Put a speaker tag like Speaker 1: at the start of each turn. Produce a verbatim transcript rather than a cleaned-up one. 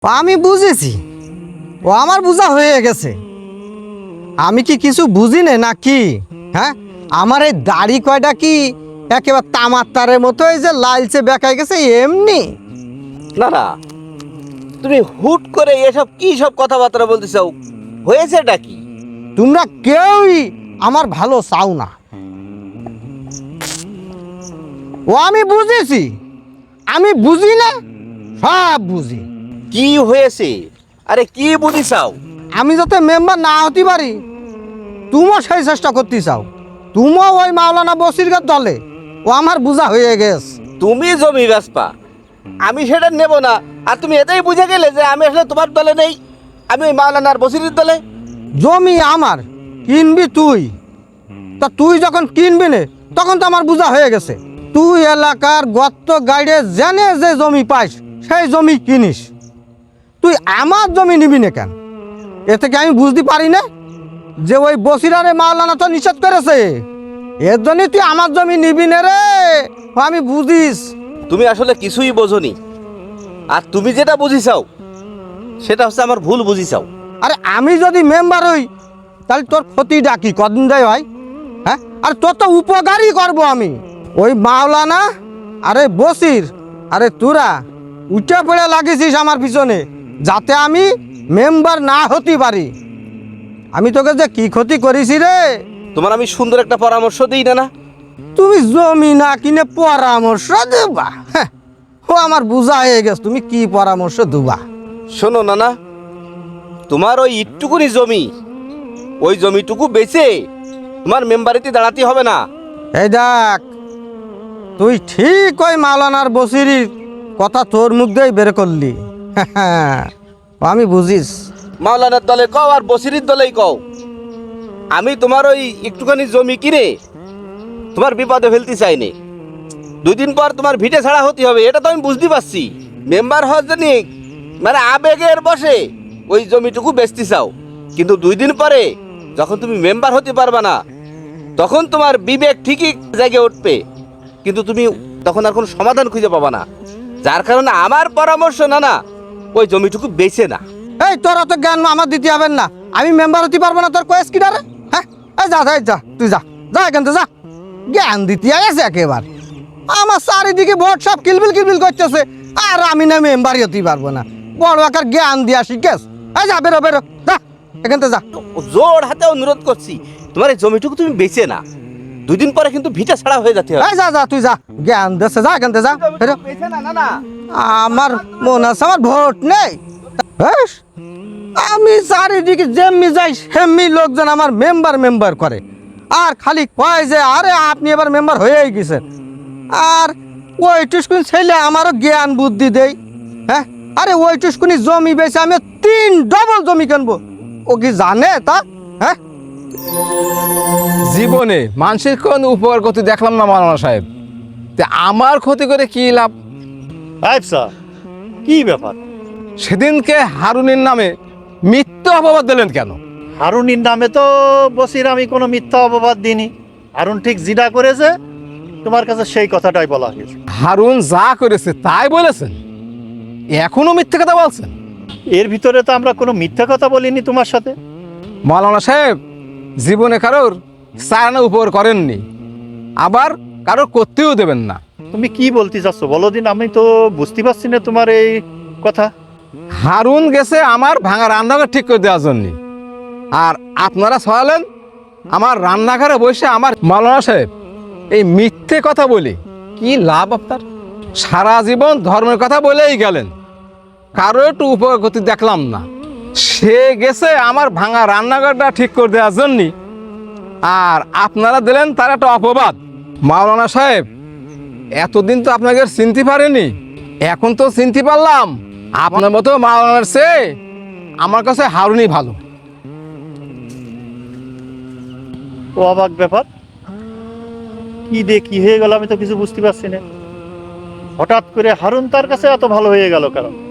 Speaker 1: আমি বুঝেছি, ও আমার বোঝা হয়ে গেছে। আমি কি কিছু বুঝি না নাকি? হ্যাঁ, আমার এই দাড়ি কয়টা কি একেবারে তামার তারের মতো এই যে লালচে বেঁকাই গেছে এমনি?
Speaker 2: না না, তুমি হুট করে এসব কি সব কথাবার্তা বলতে চাও? হয়েছেটা কি?
Speaker 1: তোমরা কেউই আমার ভালো চাও না। ও আমি বুঝেছি, আমি বুঝি না, সব বুঝি।
Speaker 2: কি হয়েছে? আরে কি বুঝি চাও?
Speaker 1: আমি যাতে মেম্বার না হতে পারি তুমিও সেই চেষ্টা করতে চাও। তুমিও ওই মাওলানা বসিরগার দলে। ও আমার বোঝা হয়ে গেছে।
Speaker 2: তুমি জমি বেচপা, আমি সেটা নেব না। আর তুমি এটাই বুঝে গেলে যে আমি আসলে তোমার দলে নেই, আমি ওই মাওলানার বসিরের দলে।
Speaker 1: জমি আমার, কিনবি তুই। তা তুই যখন কিনবি না তখন তো আমার বোঝা হয়ে গেছে। তুই এলাকার গর্ত গাইডে জেনে যে জমি পাইস সেই জমি কিনিস। তুই আমার জমি নিবি না কেন? এ থেকে আমি বুঝতে পারি না যে ওই বসিরারে মাওলানা তো নিষেধ করেছে। এর জন্যই তুই আমার জমি নিবি না রে। ও আমি বুঝিস।
Speaker 2: তুমি আসলে কিছুই বোঝনি। আর তুমি যেটা বুঝি চাও সেটা হচ্ছে আমার ভুল বুঝি চাও।
Speaker 1: আরে আমি যদি মেম্বার হই তাহলে তোর ক্ষতি ডাকি কদিন দেয় ভাই? হ্যাঁ, আর তোর তো উপকারই করবো আমি। ওই মাওলানা আরে বসির আরে তোরা উঠে পড়ে লাগিয়েছিস আমার পিছনে যাতে আমি মেম্বার না হতে পারি। আমি তোকে যে কি ক্ষতি করেছি রে।
Speaker 2: তোমার আমি সুন্দর একটা পরামর্শ দিই না না?
Speaker 1: তুমি জমি না কিনে পরামর্শ দেবা? হ্যাঁ, ও আমার বোঝা হয়ে গেছে তুমি কি পরামর্শ দেবা।
Speaker 2: শোনো না না, তোমার ওই ইটটুকুনি জমি, ওই জমিটুকু বেচে তোমার মেম্বারিতে দাঁড়াতে হবে না।
Speaker 1: এই দেখ, তুই ঠিক ওই মাওলানার বসিরির কথা তোর মুখ দিয়েই বের করলি। আমি বুঝিস।
Speaker 2: মাওলানার দলে কও আর বসিরির দলেই কও, আমি তোমার ওই একটুখানি জমি কিনে তোমার বিপদে ফেলতে চাইনি। দুই দিন পর তোমার ভিটে ছাড়া হতে হবে, এটা তো আমি বুঝতে পারছি। মেম্বার হওয়ার জন্য মানে আবেগের বসে ওই জমিটুকু বেচতে চাও, কিন্তু দুই দিন পরে যখন তুমি মেম্বার হতে পারবা না তখন তোমার বিবেক ঠিকই জেগে উঠবে, কিন্তু তুমি তখন আর কোনো সমাধান খুঁজে পাবা না। যার কারণে আমার পরামর্শ না না, ওই জমিটুকু বেচে না।
Speaker 1: এই তোর অত জ্ঞান আমার দিতে হবে না। আমি মেম্বার হতে পারবো না তোর কয়েস কিনারে? হ্যাঁ, এই যা যা যা, তুই যা যা এখান থেকে যা। জ্ঞান দিতে আছে একেবারে। আমার চারিদিকে ভোট সব কিলবিল কিলবিল করতেছে আর আমি না মেম্বারই হতে পারবো না। বড় একার জ্ঞান দিয়া শিখেস। এই যা বেরো বেরো যা এখান থেকে যা।
Speaker 2: জোর হাতে অনুরোধ করছি, তোমার এই জমিটুকু তুমি বেচে না, দুই দিন পরে কিন্তু ভিটা ছাড়া হয়ে যেতে হবে।
Speaker 1: এই যা যা তুই যা, জ্ঞান দেশে যা এখান থেকে যা বেরো।
Speaker 2: বেচে না না না,
Speaker 1: আমার মনে আছে আমার ভোট নেই। ব্যাস, আমি চারিদিকে যেমনি যাই সেমনি লোকজন আমার মেম্বার মেম্বার করে আর খালি কয় যে আরে আপনি এবার মেম্বার হয়েই গেছেন। আর ওই টুসকুনি ছেলে আমারও জ্ঞান বুদ্ধি দেয়। হ্যাঁ, আরে ওই টুসকুনি জমি বেছে আমি তিন ডবল জমি কিনবো। ও কি জানে তা? হ্যাঁ,
Speaker 3: জীবনে মানুষের কোন উপকার করতে দেখলাম না মাওলানা সাহেব। তে আমার ক্ষতি করে কি লাভ?
Speaker 4: আচ্ছা, কি ব্যাপার?
Speaker 3: সেদিনকে হারুনের নামে মিথ্যা অপবাদ দিলেন কেন?
Speaker 4: হারুনির নামে তো বসির আমি কোনো মিথ্যা অপবাদ দিইনি। হারুন ঠিক জিডা করেছে তোমার কাছে সেই কথাটাই বলা হয়েছে।
Speaker 3: হারুন যা করেছে তাই বলেছেন, এখনো মিথ্যে কথা বলছেন?
Speaker 4: এর ভিতরে তো আমরা কোনো মিথ্যা কথা বলিনি তোমার সাথে।
Speaker 3: মাওলানা সাহেব জীবনে কারোর চারানা উপকার করেননি, আবার কারোর করতেও দেবেন না।
Speaker 4: তুমি কি বলতে চাচ্ছ বলো দিন, আমি তো বুঝতে পারছি না তোমার এই কথা।
Speaker 3: হারুন গেছে আমার ভাঙা রান্নাঘর ঠিক করে দেওয়ার জন্য, আর আপনারা ছড়ালেন আমার রান্নাঘরে বসে আমার। মাওলানা সাহেব এই মিথ্যে কথা বলে কি লাভ আপনার? সারা জীবন ধর্মের কথা বলেই গেলেন, কারো একটু উপকার করতে দেখলাম না। সে গেছে আমার ভাঙা রান্নাঘরটা ঠিক করে দেওয়ার জন্য, আর আপনারা দিলেন তার একটা অপবাদ। মাওলানা সাহেব এতদিন তো আপনাকে চিনতে পারেনি, এখন তো চিনতে পারলাম। আপনার মতো মাওলানার চেয়ে আমার কাছে হারুনই ভালো।
Speaker 4: ও অবাক ব্যাপার, কি দিয়ে কি হয়ে গেল আমি তো কিছু বুঝতে পারছি না। হঠাৎ করে হারুন তার কাছে এত ভালো হয়ে গেল কারণ